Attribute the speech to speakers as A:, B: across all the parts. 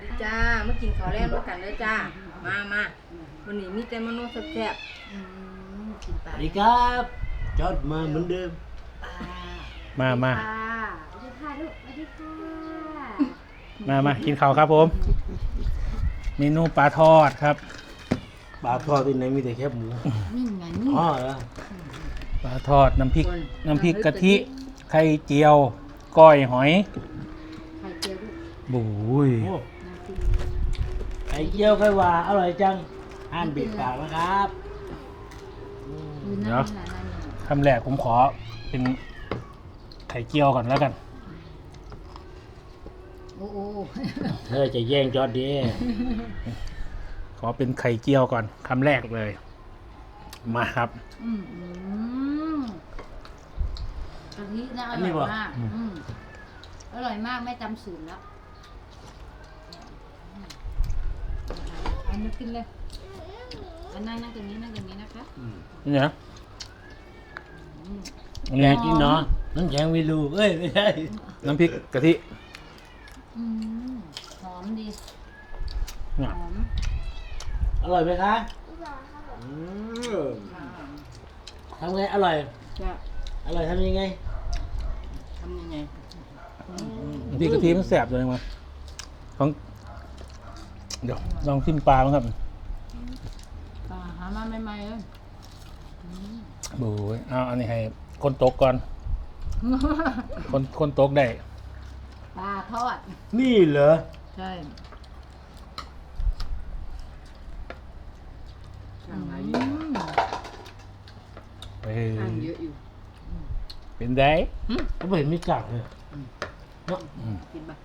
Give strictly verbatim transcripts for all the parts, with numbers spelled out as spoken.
A: ดีจ้ามากินข้าวแรงด้วยกันเลยจ้ามามาวันนี้มีแต่เมนูแซ่บ
B: อืมกินป
C: ส
B: ลา
C: วัสดีครับจอดมาเหมือนเดิม
B: ปลา
D: มามา
B: สวัสดีค่ะลูกสวัสดีค่ะ
D: มามากินข้าวครับผม เมนูปลาทอดครับ
C: ปลาทอดที่ไหนมีแต่แคบหมู
B: นี่ไงนี่
C: อ๋อเหรอ
D: ปลาทอดน้ำพริก น้ำพริกกะทิ ไข่เจียว ก้อยหอย
B: ไข่เจียวลูก
D: บุ้ย
C: โอ้
B: น้ำพริก
C: ไข่เจียวไข่หวานอร่อยจังอ่านบิดปากนะครับอืม
B: อยู่นั่น
D: เดี๋ยว
B: น่ะนั่นน่ะ
D: คำแรกผมขอเป็นไข่เจียวก่อนแล้วกัน
B: โอ้โห
C: เธอจะแย่งจอดดิ
D: ขอเป็นไข่เจียวก่อนคำแรกเลย มาครับ
B: อืมอืมกะทินะอร่อยมากอืมอร่อยมากไม่จำสูตรแล้วอันนี้กินเลยอันนั่งนั่งตรงนี้นั่งตรงนี้นะคะ
C: อืม
D: นี่นะ
B: อืม
D: อัน
C: แก
D: นี้
C: กินเนาะน้ำแข็งวิลูเอ้ยไม่ใช่
D: น้ำพริกกะทิ
B: อืมหอมดี
D: เนี่ย
B: หอม
C: อร่อยไหมคะอืมทำไงอร่อย
A: ๆจ้า
C: อร่อยทำยังไง
A: ทำยังไง
D: น้ำพริกกะทิมันแสบเลยมั้งของเดี๋ยวลองชิมปลาบ้างครับ
B: ปลาหามาใหม่ๆเลย
D: บุ้ยเอาอันนี้ให้คนตกก่อน คนคนตกได้
B: ปลาทอด
C: นี่เหรอ
B: ใช่
A: ช่างหลายอ
B: อื
A: ยู่
B: ม
D: เฮ้ย
A: ช่างเยอะอยู่
D: เป็นได
C: ก็ไม่เห็นมีกากเลยเนาะ
D: อืม
A: กินปะ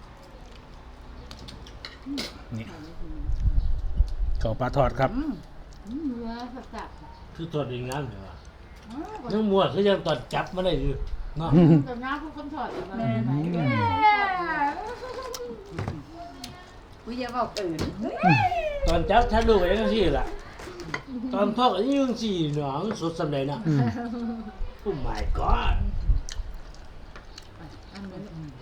D: นี่ข้าวปลาทอดครับ
B: อืมอืมเนื้อสับ
C: คือทอดเองน้ำเหรอ
B: ๆอืม
C: ยังมัวคือยังตอนจับมาได้อยู่เนาะ
B: แต่น้ำพวกคนทอดแบบ
A: แม่
B: ไหน
A: อุ้ยอย่าบอกอื่น
C: ตอนจับฉันดูไปยังสี่ล่ะ ตอนทอดก็ยังสี่หนองสดสำเร็จนะ
D: อืม
C: โอ้ my god
B: อันนี้อืม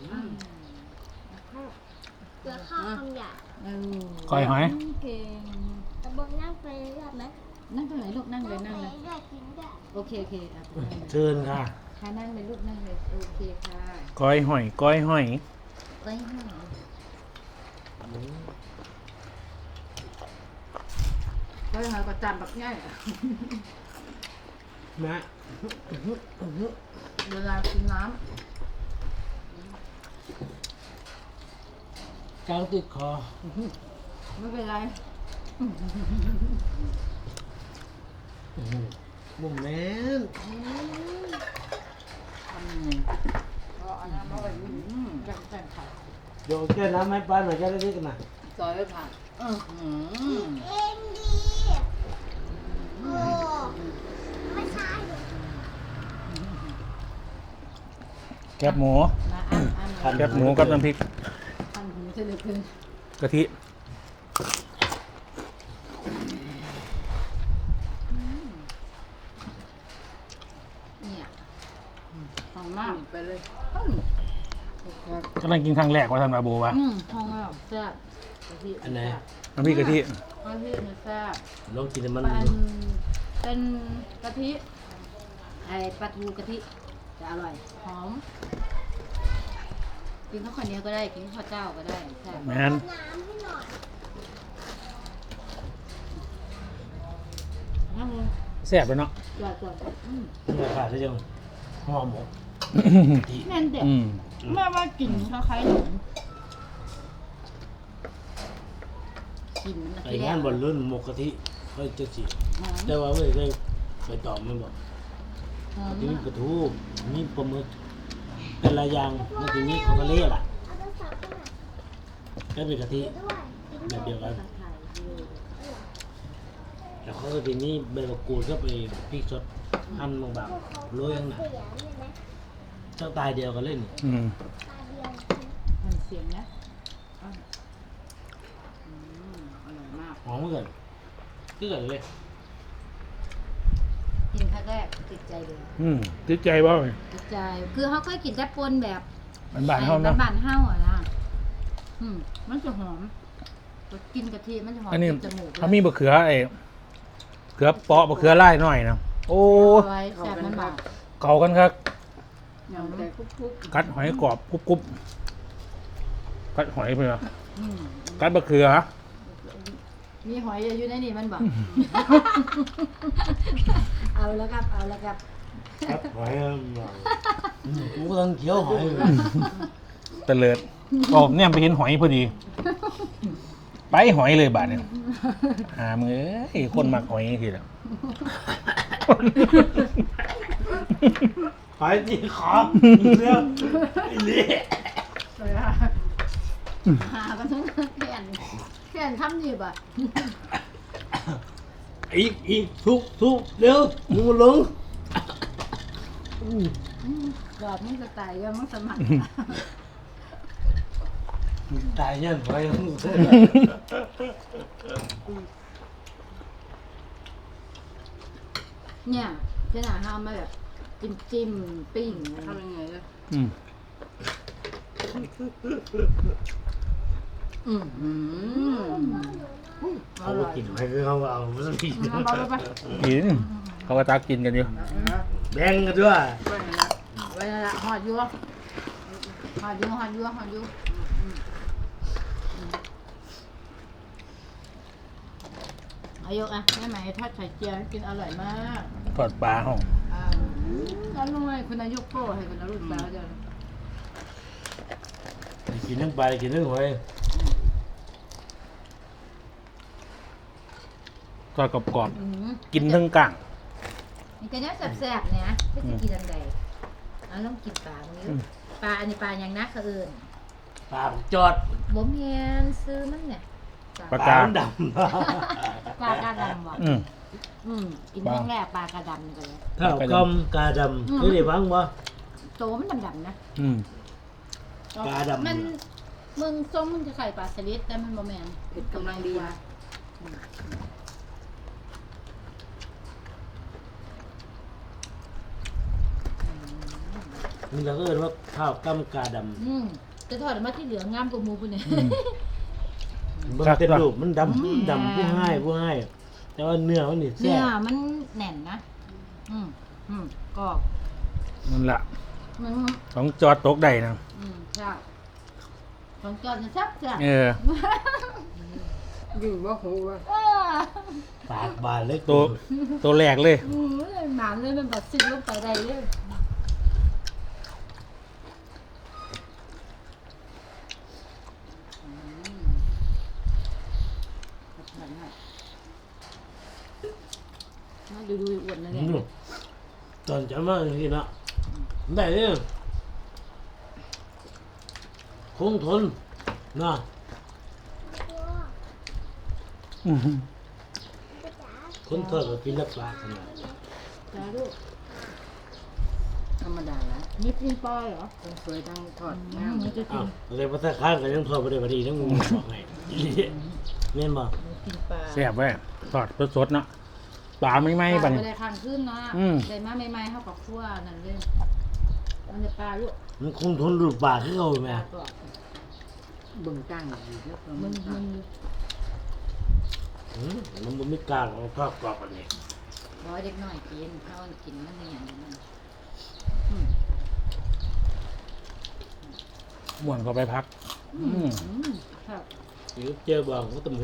E: เกลือข้าวคำหยาบ
B: เออ
D: ก้อยหอย
B: เก่ง
E: ตะบงนั่งไปเรื่อยไหม
B: นั่งตรงไหนลูกนั่งเลยนั่ง
E: ไป
B: เลย
E: เรื่อยกินได้
B: โอเคโอเคอ่ะนั่งเลย
C: เชิญค่ะ
B: ค่ะนั่งเลยลูกนั่งเลยโอเคค่ะ
D: ก้อยหอย ก้อยหอย
B: ไว้ให้
A: ก็ยังไงก็จานแบบง่ายอะ
C: นะ
A: เวลากินน้
C: กลางติดคอ
B: ำไม่เป็นไร
C: บุ่มแม่น
A: ำทำยังไงก็เอาน้ำมาไว้อยู่
B: อืมแบ่งแบ่งไข่
C: เดี๋ยวแก้น้ำให้ป้าหน่อยจะได้เล็กกันนะ
A: ซอยไว้ผ่านอือหือ
E: เอ็นดีโอ้ไม่ใช่
D: แคบหมู
B: มาอ่านอ่าน
D: แคบหมูกับน้ำพริก
B: ทันหูเฉลยเกิน
D: กะทิ
B: เนี่ยหอมมาก
A: ไปเลย
B: อืม
D: กำลังกินครั้งแรกว่าท่านมาโบวะ
B: อืมหอมมากแซ่บกะทิ
C: อันไหน
D: น้ำพริกกะทิ
B: กะทิเนื้อแซ่บ
C: ลองกินแต่มัน
B: เป็นเป็นกะทิไอปลาทูกะทิจะอร่อยหอมกินข้าวเหนียวก็ได้กินข้าวเจ้าก็ได้แซ่บ
D: แมน
E: น้ำให้หน่อย
B: น้ำมัน
D: แซ่บเลยเนาะ
B: จอดจอดอืม
C: ราคาจะยังห่อหมก
B: แม่นเด็ด
D: อืม
B: แม่ว่ากลิ่นคล้ายๆหนมกลิ่นมัน
C: ไอ้งานบอลลุ่นหมกกะทิก็จะสิ
B: หอม
C: แต่ว่าไม่ได้ไปตอบมันบอก
B: หอม
C: ที่มี
B: มาก
C: กระทูมีปลาหมึกแต่ละอย่างมันจะมีของทะเลล่ะ
E: เอาโทรศัพท์ไปหน่อย
C: ก็เป็นกะทิ
E: ด้วย
C: แบบเดียวกัน
B: ไข่ด้วย
C: แล้วเขาก็จะมีใบมะกรูดก็ไปพริกสดหั่นบางๆโรยข้างหน้า
E: เสียเนี่ยนะ
C: เจ้าตายเดียวกันเล่น
D: อืม
E: ตาเดียว
B: มันเสียงนะอ่ะอืมอร่อยมาก
C: หอมเหมือนกันคือกันเลย
B: กินครั้งแรกติดใจเลย
D: อืมติดใจบ่
B: ติดใจ คือเขาเคยกินแต่ปนแบบ
D: มันบานๆเท่า
B: ไอ้
D: เนาะ
B: บ้านๆเฮาอ่ะนะอืมมันจะหอมกินกะทิมันจะหอม
D: อันนี้
B: จมูก
D: เขามีบะเขือไอ้เขือเปาะบะเขือไล่หน่อยนะโอ้
B: ไว้แซ่บมันบา
D: เก่ากันครับ
A: ยำแต่คุก
D: กัดหอยกรอบกรุบกรุบกัดหอยไปเหรอ
B: อืม
D: กัดบะเขือ
B: มีหอยอยู่ในนี่มันบอก เอาแล้วครับเอาแล้วครับ
C: ครับหอยอ่ะอืมกูกำลังเคี้ยวหอยอยู่
D: ตะเลิดโอ้เนี่ยไปเห็นหอยพอดี ไปหอยเลยบาทเนี่ยหามือเอ้ยคนมักหอยทีละ
C: หอยจีขอเรื่องไอ้เละ
B: หากันทั้งแขนแขนทำดีป่ะ
C: อีกอีกทุกทุกเร็วมึงมาลง
B: ดอดมึงจะตายยังมึงสมัคร
C: ตายยันหอยมึง
B: เนี่ยเจ้าหน้าห้ามมาแบบจิ้มจิ้มปิ้ง
A: ๆทำยังไงเลย
D: อืม
B: อืมอืมอ
C: เขา
B: ร่
C: ก็
B: อย
C: กินหอยคือเขาเอาไม่ต้องกิน
B: เอาไปไป
D: กินเขาก็ตักกินกันอยู่
C: แบ่งกันด้วย
A: ไม่นะ
B: ไว้นั่นละหอดอยู่หอดอยู่หอดอยู่หอดอยู่อายกอ่ะแม่ไหมทอดไข่เจียวให้กินอร่อยมาก
D: ทอดปลาห้อง
B: อ่าอร่อยคุณอายุโป้ให้คุณอารุณสาวเจ้า
C: กินทั้งปลากินทั้งหอย
D: ทอดกรอบ
B: อืม
D: ๆกินทั้งกลาง
B: นี่ก็เนี้ยแซ่บๆเนี่ยไม่จะกินอันใดเอาต้องกินปลาตรงนี้
D: อืม
B: ปลาอันนี้ปลาอย่างนักเขาเอิญ
C: ปลาจอด
B: บ่มเฮียนซื้อมันเนี่ย
D: ปลา
C: ปลาดำ
B: ปลากระดำบ่
D: อืม
B: อืมกินครั้งแรกปลากระดำนี่ก็เลย
C: เท่ากำกาดำเคยได้ฟังบ่
B: โตมันดำๆนะ
D: อืม
C: ปลาดำ
B: มันมึงส้มมึงจะใส่ปลาสลิดแต่มันบ่แม่น
A: เผ็ดกำลังดีนะ
C: นี่เราก็เรียกว่าข้าวกำกาด
B: อืมจะทอดออกมาที่เหลืองามกว่าหมูพุ่นเนี่ย
C: ำมันเป็นรูปมันดำดำผู้ให้ผู้ให้แต่ว่าเนื้อมันนี่แซ่
B: เนื้อบ มันแน่นนะ อืมอืมกรอบ
D: นั่นละ
B: มัน
D: ของจอดตกได้นะ
B: อืมใช่ของจอดจะแซ่บจ้ะ
D: เออ
A: อยู่ว่าหูว่า
B: เออ
C: ปากบานเล็ก
D: ตัวตัวแรกเลย
B: อืมหมาเลยมันแบบซิดลงไปได้เลยอืมน่าดูดูอ้วนนะเนี่ย
C: อืมตอนจะมาอย่างนี้นะได้เนี่ยคงทนนะ
D: อืม
C: คนทอดกับปีละปลาขนาด
B: จ้าลูก
A: ธรรมดาแล้ว
B: นี่กินปลาเหรอ
A: ทั้งสวยทั้งทอด
B: อื
A: งาม
B: มมันจะกิ
C: อ้าวน อะไรภาษาข้างกันยังทอดไปได้พอดีทั้งงูบอกไงเม่นบ่
A: กินปลา
D: แซ่บไว้ทอดสดๆเนาะปลาไม่ไหม้
B: ป
D: ปะ
B: ลา
D: นี่
B: ไม่ได้ข้างขึ้นเนาะ
D: อืม
B: ได้มาใหม่ๆเข้ากับขั้วนั่นเลยมันจะปลาลูก
C: มันคงทนรูปปลาที่เขา
B: ป
C: ไหม
B: ลาตัว
A: เบิ่งตั้งอยู่แล้วก็
B: มั
A: มัน น
B: มัน
C: อืมมันบ่มีกลางของทอดกรอบอันนี้
B: ร้อยเด็กน้อยกินเขากินมันเป็นอย่างนี้มันอืม
D: ม่วนเข้าไปพัก อืม
B: อืมครับ
C: หรือเจอบ่ก็ตำหู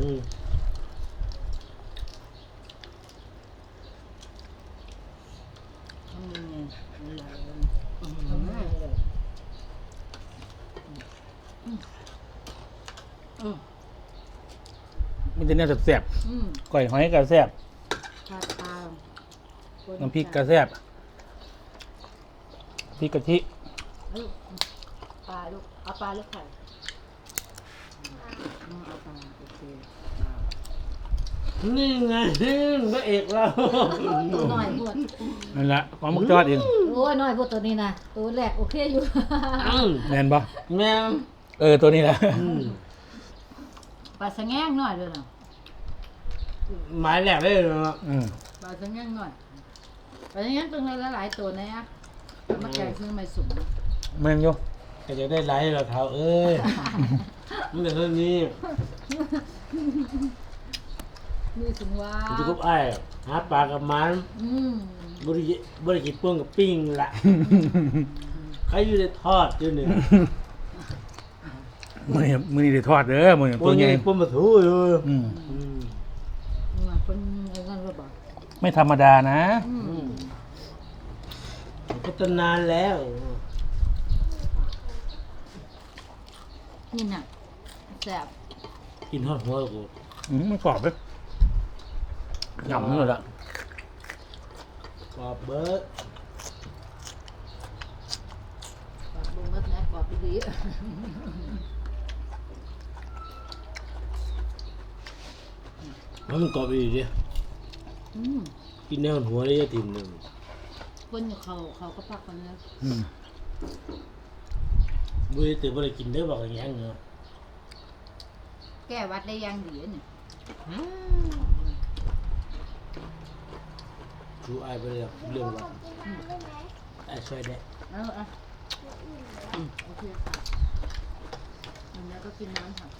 A: ทำยังไงอะไร
B: ทำง่ายเลย
A: อืม
D: มันจะเนี่ยแซ่บ
B: อืม
D: ๆก้อยหอยก็แซ่บ
B: ปลาปลา
D: น้ำพริกก็แซ่บพริกกะทิ
B: ลูกปลาลูกเอาปลาลูกไข่
A: อืมเอาปลาโอเค
C: นี่ไงพระเอกเรา
B: ตัวน้อยพวด
D: นั่นละของมักจอดเอง
B: โอ้ยน้อยพวดตัวนี้นะตัวแรกโอเคอยู่
C: อืม
D: แน่นปะ
C: แม่ม
D: เออตัวนี้แหละ
C: อืม
B: ปลาสะแงงหน่อยด้วยนะ
C: หมายแรกเลยเนาะ
D: อืม
B: ปลาสะแงงหน่อยปลาสะแงงตัวละหลายตัวนะอ่ะมาแกงซื้อไม่สุก
D: แม่นอยู่
C: ก็จะได้ไลค์เราเท้าเอ้ยมันแต่เท่านี้
B: มมีถึงว่า
C: มันจะกุบไอ้หาปลากับมัน
B: อืม
C: บริบริกิตป้วงกับปิ้งละใครอยู่ในทอดอยู่เนี่ย
D: มือนี้มือนี้ได้ทอดเด้อมือนี้
C: ป้
D: ตัว ว
C: ง
D: ใหญ่
C: ไงป้วงมาถูอยู่
D: อืม
C: อืม
B: มาเป็นอะไรกันหรือเปล่า
D: ไม่ธรรมดานะ
B: อืม
C: อืมพัฒนานแล้ว
B: นี่น่ะแซ่บ
C: กินทอดหัวกู
D: อืมมันกรอบเลยหยำนี่เลยละ
C: กรอบเบิร์ด
B: กรอบลงมัดนะกรอบดี
C: มันกรอบอีกดิ
B: ๆอืม
C: กินแนวหัวได้ยังทีมหนึ่ง
B: คนอยู่เขาเขาก็พักกันแล้ว
D: อืม
C: บุรีตื่นบริกินได้บอกอย่างเงี้ยเนาะ
B: แก้วัดได้ยังดีเนี่ย
C: ดูไอ้ไปเรื่องเรื่องว่า
E: กินน้ำได้ไหม
C: ไอ้ช่วยได้
B: เอาเอาโอเคค่ะอันนี้ก็กินน้ำค่ะ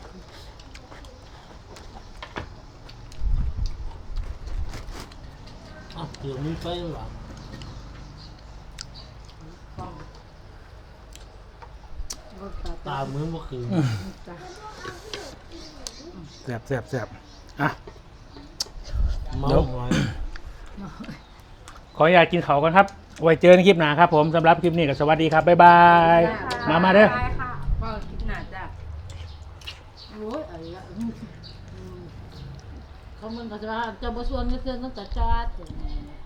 C: อ้าวเดี๋ยวมึงไปหรอ
B: ฟองรสตา
C: ตาเหมือนเมื่อคืน
B: ตา
D: แซ่บแซ่บแซ่บอ่ะ
C: เมาหอย
D: ขออนุญาตกินเขาวกันครับ ไว้เจอในคลิปหน้าครับผมสำหรับคลิปนี้ก็สวัสดีครับ บ๊ายบาย มามาเด้อ
A: ได้ค่ะก็คิดหนาจ้ะ
B: โอ้ยอะไรอ่ะอืมเขามันก็จะว่าจะบส่วนก็คือตั้งแต่จอด